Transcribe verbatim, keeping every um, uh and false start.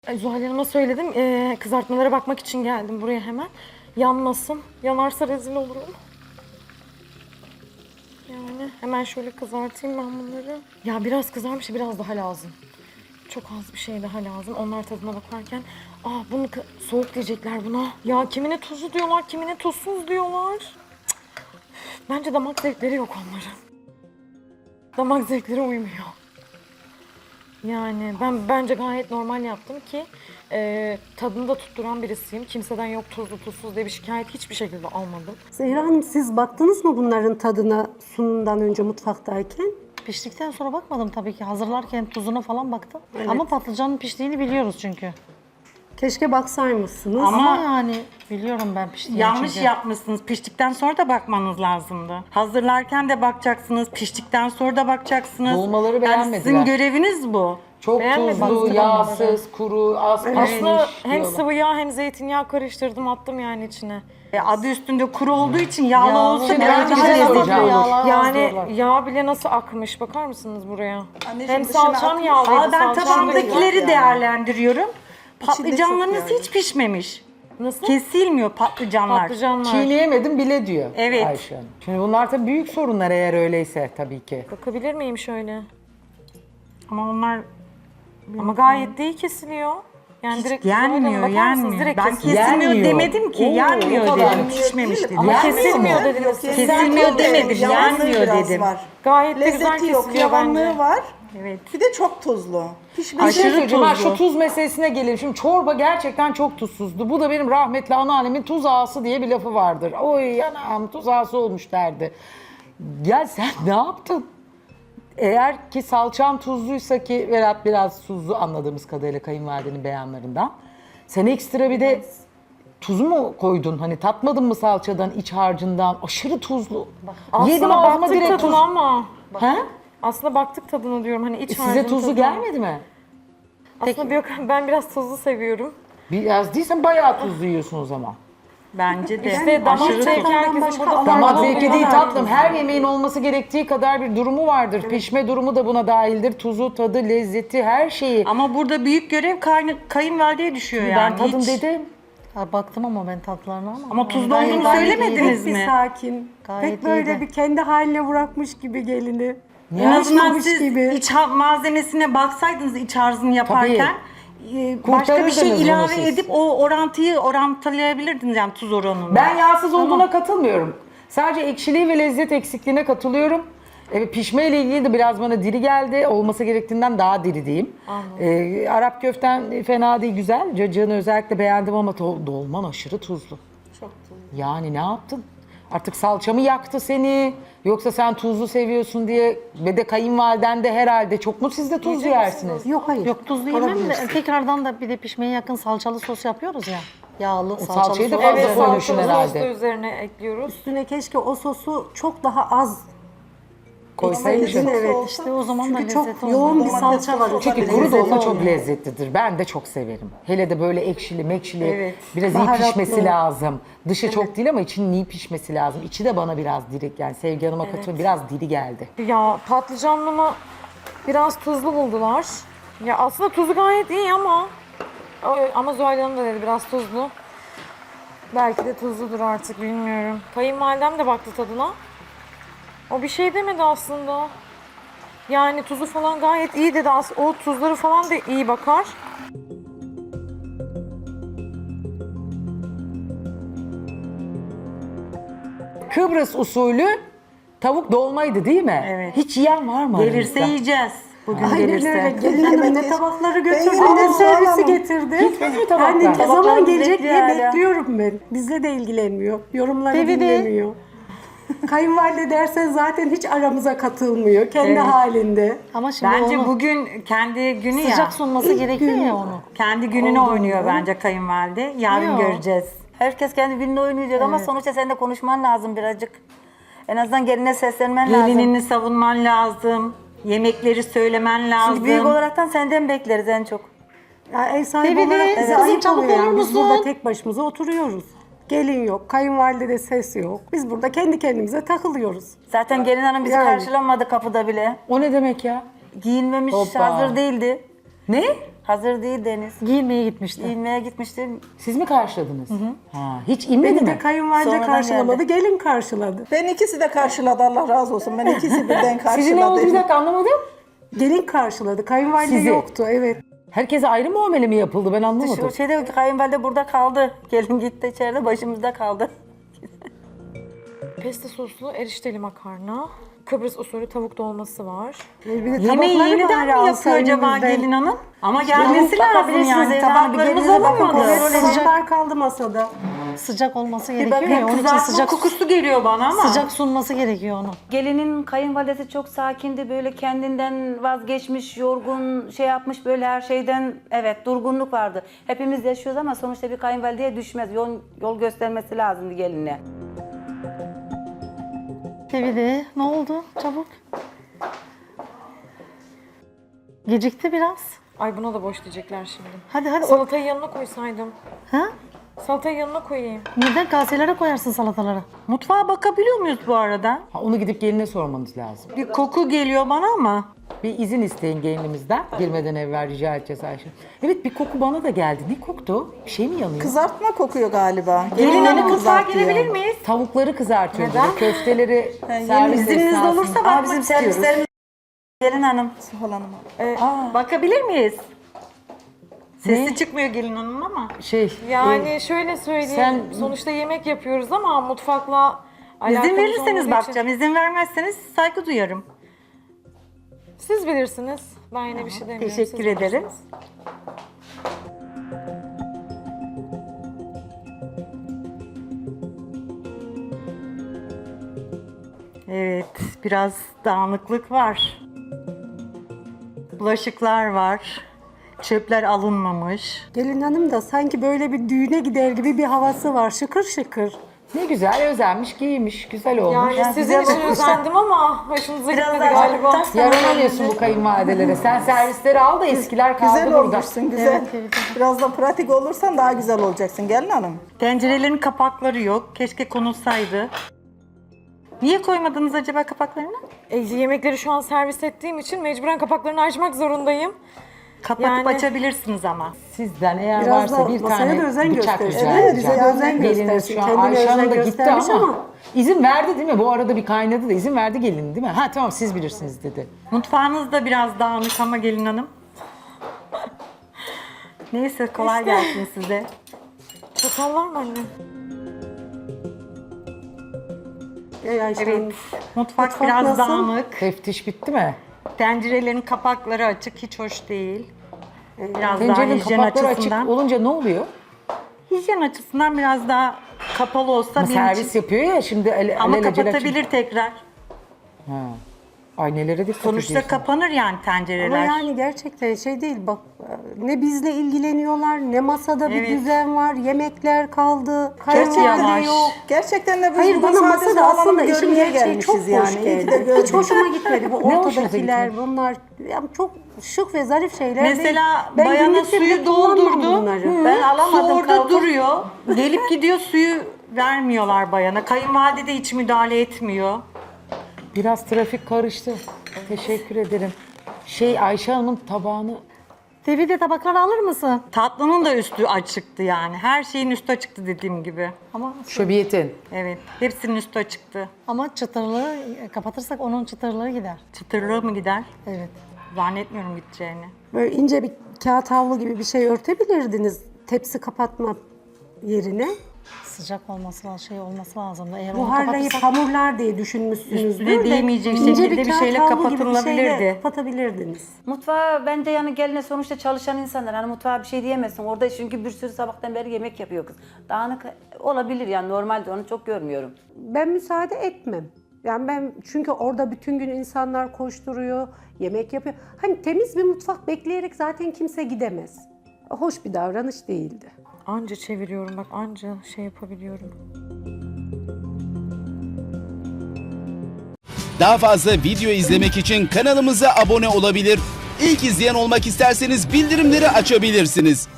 Ay, Zuhal Hanım'a söyledim. Ee, kızartmalara bakmak için geldim buraya hemen. Yanmasın. Yanarsa rezil olurum. Yani hemen şöyle kızartayım ben bunları. Ya biraz kızarmış, biraz daha lazım. Çok az bir şey daha lazım. Onlar tadına bakarken, aa bunu kı- soğuk diyecekler buna. Ya kimine tuzlu diyorlar, kimine tuzsuz diyorlar. Cık. Bence damak zevkleri yok onların. Damak zevkleri uymuyor. Yani ben bence gayet normal yaptım ki e, tadını da tutturan birisiyim. Kimseden yok tuzlu tuzsuz diye bir şikayet hiçbir şekilde almadım. Zehra Hanım, siz baktınız mı bunların tadına sunumdan önce mutfaktayken? Piştikten sonra bakmadım tabii ki. Hazırlarken tuzuna falan baktım. Ama patlıcanın piştiğini biliyoruz çünkü. Keşke baksaymışsınız. Ama, yani biliyorum ben piştiğini Yanlış çünkü. yapmışsınız. Piştikten sonra da bakmanız lazımdı. Hazırlarken de bakacaksınız, piştikten sonra da bakacaksınız. Dolmaları Yani beğenmediler. sizin göreviniz bu. Çok Beğenmedim tuzlu, aslında yağsız, kuru, az pişmiş Aslında hem diyorlar. sıvı yağ hem zeytinyağı karıştırdım attım yani içine. E, adı üstünde kuru olduğu için yağlı, Yağlı, olsa Şimdi biraz ben bir daha şey lezzetli soracağım. olur. Yağlar az Yani diyorlar. yağ bile nasıl akmış bakar mısınız buraya? Anneciğim, Hem dışına salçam akmış. yağlıydı. Aa, ben salçam tabağımdakileri yani. değerlendiriyorum. Patlıcanlarınız çok yani. hiç pişmemiş. Nasıl? Kesilmiyor patlıcanlar. Patlıcanlar. Çiğneyemedim bile diyor Evet. Ayşe Hanım. Şimdi bunlar tabii büyük sorunlar eğer öyleyse tabii ki. Bakabilir miyim şöyle? Ama onlar Ama gayet de iyi kesiliyor. Yani direkt yenmiyor, bakar mısınız? yenmiyor. Direkt Ben kesiliyor. kesilmiyor Yenmiyor. demedim ki, Oo, yenmiyor o kadar. dedim, pişmemiş dedim. Ama Yenmiyor kesilmiyor mu? dediniz. siz. Kesilmiyor demedim, Yağsı yenmiyor biraz dedim. var. Gayet de güzel Lezzeti yok, kesiliyor bence. yavanlığı var. Evet. Bir de çok tuzlu. Pişmiş. Bir şey Aşırı söyleyeceğim. Ha, tuzlu. şu tuz meselesine gelelim. Şimdi çorba gerçekten çok tuzsuzdu. Bu da benim rahmetli anneannemin tuz ağası diye bir lafı vardır. Oy anam tuz ağası olmuş derdi. Ya sen ne yaptın? Eğer ki salçam tuzluysa ki Berat biraz tuzlu anladığımız kadarıyla kayınvalidenin beyanlarından. Sen ekstra bir de tuz mu koydun? Hani tatmadın mı salçadan, iç harcından? Aşırı tuzlu. Aslında Yedim ağzıma baktık direkt tadına tuz. ama. He? Aslında baktık tadına diyorum hani iç E, size harcın tuzlu tadına. gelmedi mi? Aslında yok, ben biraz tuzlu seviyorum. Biraz değilsen bayağı tuzlu yiyorsun o zaman. Bence de. İşte damak Aşırı zevki tuzlu. herkesin başka burada alan Damak farklı zevki oluyor. değil tatlım. Her yemeğin olması gerektiği kadar bir durumu vardır. Pişme durumu da buna dahildir. Tuzu, tadı, lezzeti, her şeyi. Ama burada büyük görev kayın, kayınvalideye düşüyor yani. ben tadım hiç. dedim. Ha, baktım ama ben tatlarına ama. Ama tuzlu Gayet- olduğunu gayet söylemediniz iyiydi. Pek bir mi? sakin. Gayet Pek böyle iyiydi. bir kendi haline bırakmış gibi gelini. En azından Alışmamış siz gibi. iç ha- malzemesine baksaydınız iç harcını yaparken e, başka bir Kurtarırdınız şey bunu ilave siz. edip o orantıyı orantılayabilirdiniz yani tuz oranını. Ben yağsız olduğuna katılmıyorum. Sadece ekşiliği ve lezzet eksikliğine katılıyorum. Evet, pişme ile ilgili de biraz bana diri geldi. Olması gerektiğinden daha diri diyeyim. Ee, Arap köften fena değil, güzel. Cacığını özellikle beğendim ama to- dolman aşırı tuzlu. Çok tuzlu. Yani ne yaptın? Artık salçamı yaktı seni. Yoksa sen tuzlu seviyorsun diye ve de kayınvaliden de herhalde çok mu siz de tuzlu yersiniz? Yok hayır. Yok tuzlu yemem de Alabilirsin. tekrardan da bir de pişmeye yakın salçalı sos yapıyoruz ya. Yağlı, salçalı salçayı da sos. fazla Evet, koymuşsun salçalı herhalde. sos da üzerine ekliyoruz. Üstüne keşke o sosu çok daha az Koysaydın. ekseydin, evet. İşte o zaman da Çünkü lezzeti çok yoğun bir olmaz. salça var. Çünkü Çünkü içinde. kuru Lezzeti dolma çok olmuyor. lezzetlidir. Ben de çok severim. Hele de böyle ekşili, mekşili, Evet. biraz iyi Baharatlı. pişmesi lazım. Dışı çok değil ama içinin iyi pişmesi lazım. İçi de bana biraz diri, yani Sevgi Hanım'a katılıyorum, biraz diri geldi. Ya patlıcanlama biraz tuzlu buldular. Ya aslında tuzu gayet iyi ama ama Zuhal Hanım da dedi biraz tuzlu. Belki de tuzludur artık bilmiyorum. Kayınvalidem de baktı tadına. O bir şey demedi aslında. Yani tuzu falan gayet iyi dedi. As- O tuzları falan da iyi bakar. Kıbrıs usulü tavuk dolmaydı değil mi? Evet. Hiç yiyen var mı Gelirse aranızda? yiyeceğiz. Bugün Aynen gelirse. öyle. Gelin hanım ne Evet. tabakları götürdü, Ben ne yedim, servisi vallahi. getirdi. Gitmedi mi tabaklar? Yani ne zaman Tabaklarımız gelecek bekliyor diye hala. bekliyorum ben. Bizle de ilgilenmiyor. Yorumları Tabii de. dinlemiyor. Kayınvalide dersen zaten hiç aramıza katılmıyor. Kendi halinde. Ama şimdi Bence onu bugün kendi günü ya. sıcak sunması gerekiyor gün. ya onu. Kendi gününü oynuyor bence kayınvalide. Yarın Yok. göreceğiz. Herkes kendi gününü oynayacak ama sonuçta sen de konuşman lazım birazcık. En azından geline seslenmen lazım. Gelinini savunman lazım. Yemekleri söylemen lazım. Çünkü büyük olaraktan senden bekleriz en çok. Ya ev sahibi Tabii de, olarak bize kızım ayıp çabuk oluyor yani. olur Biz musun? burada tek başımıza oturuyoruz. Gelin yok, kayınvalide ses yok. Biz burada kendi kendimize takılıyoruz. Zaten gelin hanım bizi Yani. karşılamadı kapıda bile. O ne demek ya? Giyinmemiş, Hoppa. hazır değildi. Ne? Hazır değil Deniz. Giyinmeye gitmişti. Giyinmeye gitmiştir. Siz mi karşıladınız? Ha, hiç inmedi Beni mi? de kayınvalide Sonradan karşılamadı, geldi. gelin karşıladı. Ben ikisi de karşıladı, Allah razı olsun. Ben ikisi birden karşıladım. Sizin ne oldu bir dakika anlamadım. Gelin karşıladı, kayınvalide Sizi. yoktu, evet. Herkese ayrı muamele mi yapıldı ben anlamadım. Şu şeyde kayınvalide burada kaldı. Gelin gitti içeride başımızda kaldı. Pesto soslu erişteli makarna. Kıbrıs usulü tavuk dolması var. Bir de Yemeği tabakları yeniden bari mi yapıyor alsa acaba elimizden. gelin hanım? Ama gelmesi lazım bakabilirsiniz yani. Zeydan Hanım, bir Tabaklarımız gelinize bakın, olamadı. kontrol Evet, edin. tabaklar kaldı masada. Sıcak olması Bir gerekiyor bakın ya. Onun için kızartma sıcak, kokusu geliyor bana ama. sıcak sunması gerekiyor onu. Gelinin kayınvalidesi çok sakindi, böyle kendinden vazgeçmiş, yorgun, şey yapmış, böyle her şeyden, evet, durgunluk vardı. Hepimiz yaşıyoruz ama sonuçta bir kayınvalideye düşmez. Yol, yol göstermesi lazımdı geline. Tevide ne oldu çabuk? Gecikti biraz. Ay buna da boş diyecekler şimdi. Hadi hadi. O... Salatayı yanına koysaydım. Ha? Salatayı yanına koyayım. Neden kaselere koyarsın salataları? Mutfağa bakabiliyor muyuz bu arada? Ha, onu gidip geline sormanız lazım. Bir koku geliyor bana ama. Bir izin isteyin gelinimizden. Girmeden evvel rica edeceğiz Ayşe. Evet bir koku bana da geldi. Ne koktu? Bir şey mi yanıyor? Kızartma kokuyor galiba. Gelin Gelinleri hanım mutfağa kızartıyor. girebilir miyiz? Tavukları kızartıyor. Neden? Köfteleri servis İzniniz esnasında. olursa Aa, bakmak bizim istiyoruz. servislerimiz gelin hanım. Suhal Hanım'a. Bakabilir miyiz? Sesi çıkmıyor gelin hanım ama. Şey, Yani e, şöyle söyleyeyim. sen- Sonuçta yemek yapıyoruz ama mutfakla İzin alakamız verirseniz olmadığı için- bakacağım. İzin vermezseniz saygı duyarım. Siz bilirsiniz. Ben yine bir şey demiyorum. Teşekkür siz ederim. bilirsiniz. Evet, biraz dağınıklık var. Bulaşıklar var. Çöpler alınmamış. Gelin hanım da sanki böyle bir düğüne gider gibi bir havası var, şıkır şıkır. ne güzel özenmiş, giymiş, güzel olmuş. Yani Ya, sizin güzel için olmuş. özendim ama hoşunuza Biraz gitmedi daha galiba. tas- Yaranamıyorsun bu kayınvalidelere. Sen servisleri al da eskiler kaldı Güzel burada. olmuşsun, güzel. Biraz da pratik olursan daha güzel olacaksın gelin hanım. Tencerelerin kapakları yok. Keşke konulsaydı. Niye koymadınız acaba kapaklarını? E, yemekleri şu an servis ettiğim için mecburen kapaklarını açmak zorundayım. Kapatıp Yani- açabilirsiniz ama. Sizden eğer Biraz varsa da bir masaya tane da özen bıçak göstersin. rica Evet, edeceğim. bize de özen Geliniz göstersin. şu an Kendine Ayşe Hanım özen da gitti göstermiş ama, ama. izin verdi değil mi? Bu arada bir kaynadı da izin verdi gelin değil mi? Ha tamam siz bilirsiniz dedi. Mutfağınız da biraz dağınık ama gelin hanım. Neyse kolay gelsin size. Çatal var mı anne? Ey Ayşe Hanım. Evet, mutfak, Mutfak biraz nasıl? dağınık. Teftiş bitti mi? Tencerelerin kapakları açık, hiç hoş değil. Biraz daha Tencerenin hijyen kapakları açısından. açık olunca ne oluyor? Hijyen açısından biraz daha kapalı olsa Ama benim servis için. yapıyor ya şimdi ele, Ama alelacele- kapatabilir tekrar. Ha. Ay nelere dikkat Sonuçta ediyorsun. kapanır yani Ama tencereler. yani gerçekten şey değil bak, ne bizle ilgileniyorlar, ne masada bir Evet. düzen var, yemekler kaldı, Gerçekten kayınvalide yavaş. yok. Gerçekten de biz Hayır burada bana sadece masada Suhal Hanım'ı aslında işin görmeye gerçeği çok gelmişiz hoş yani. İyi ki de geldi. gördük. Hiç hoşuma gitmedi bu Ne hoşunuza ortadakiler gitmedi? bunlar. Yani çok şık ve zarif şeyler Mesela değil. Ben bayana günlükte bile suyu kullanmam doldurdu. bunları. Ben alamadım, Su orada kaldım. duruyor. Gelip gidiyor suyu vermiyorlar bayana. Kayınvalide de hiç müdahale etmiyor. Biraz trafik karıştı. Teşekkür ederim. Şey Ayşe Hanım'ın tabağını Tevide tabakları alır mısın? Tatlının da üstü açıktı yani. Her şeyin üstü açıktı dediğim gibi. Ama şöbiyetin. Evet. Hepsinin üstü açıktı. ama çıtırlığı kapatırsak onun çıtırlığı gider. Çıtırlığı mı gider? Evet. Zannetmiyorum gideceğini. Böyle ince bir kağıt havlu gibi bir şey örtebilirdiniz tepsi kapatma yerine. Sıcak olması lazım, şey olması lazım. Eğer onu Buharlayıp kapatırsak hamurlar diye düşünmüşsünüzdür. Üstüne de değmeyecek ince şekilde bir kağıt şeyle havlu gibi bir şeyle kapatılabilirdi. kapatabilirdiniz. Mutfağa bence yani geline sonuçta çalışan insanlar. Hani mutfağa bir şey diyemezsin. Orada çünkü bir sürü sabahtan beri yemek yapıyor kız. Dağınık olabilir yani, normalde onu çok görmüyorum. Ben müsaade etmem. Yani ben çünkü orada bütün gün insanlar koşturuyor, yemek yapıyor. Hani temiz bir mutfak bekleyerek zaten kimse gidemez. Hoş bir davranış değildi. Anca çeviriyorum bak anca şey yapabiliyorum. Daha fazla video izlemek için kanalımıza abone olabilir. İlk izleyen olmak isterseniz bildirimleri açabilirsiniz.